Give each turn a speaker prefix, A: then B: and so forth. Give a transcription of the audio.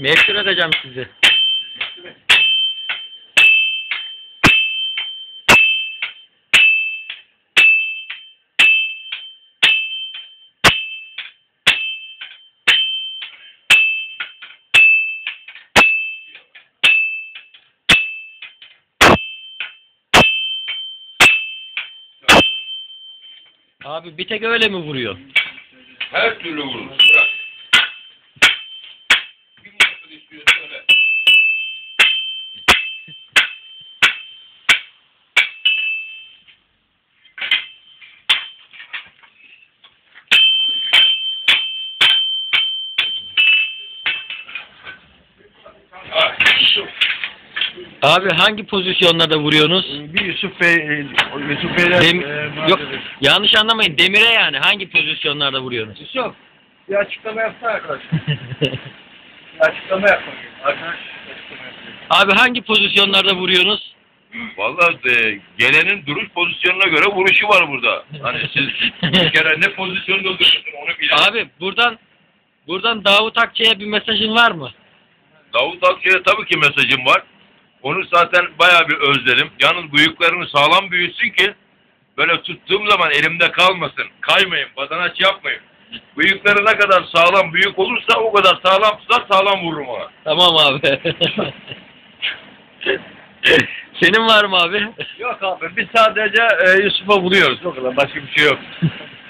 A: Meşhur edeceğim sizi. Abi bir tek öyle mi vuruyor?
B: Her türlü vurur. Bırak. Bir nasıl istiyorsa öyle.
A: Abi hangi pozisyonlarda vuruyorsunuz?
C: Bir Yusuf Bey, Yusuf Bey'le
A: Yok, yanlış anlamayın. Demire yani hangi pozisyonlarda vuruyorsunuz?
C: Yusuf, bir açıklama yapsana arkadaş. Bir açıklama yapmak. Arkadaş açıklama yapıyor.
A: Abi hangi pozisyonlarda vuruyorsunuz?
B: Vallahi gelenin duruş pozisyonuna göre vuruşu var burada. Hani siz bir kere ne pozisyonda duruyorsun onu bilen.
A: Abi buradan Davut Akçay'a bir mesajın var mı?
B: Davut Akçay'a tabii ki mesajım var. Onu zaten bayağı bir özledim. Yalnız bıyıklarını sağlam büyütsün ki böyle tuttuğum zaman elimde kalmasın. Kaymayın, badanaç yapmayın. Bıyıkları ne kadar sağlam büyük olursa o kadar sağlam tutar, sağlam vururum ona.
A: Tamam abi. Senin var mı abi?
C: Yok abi, biz sadece Yusuf'a vuruyoruz. O kadar, başka bir şey yok.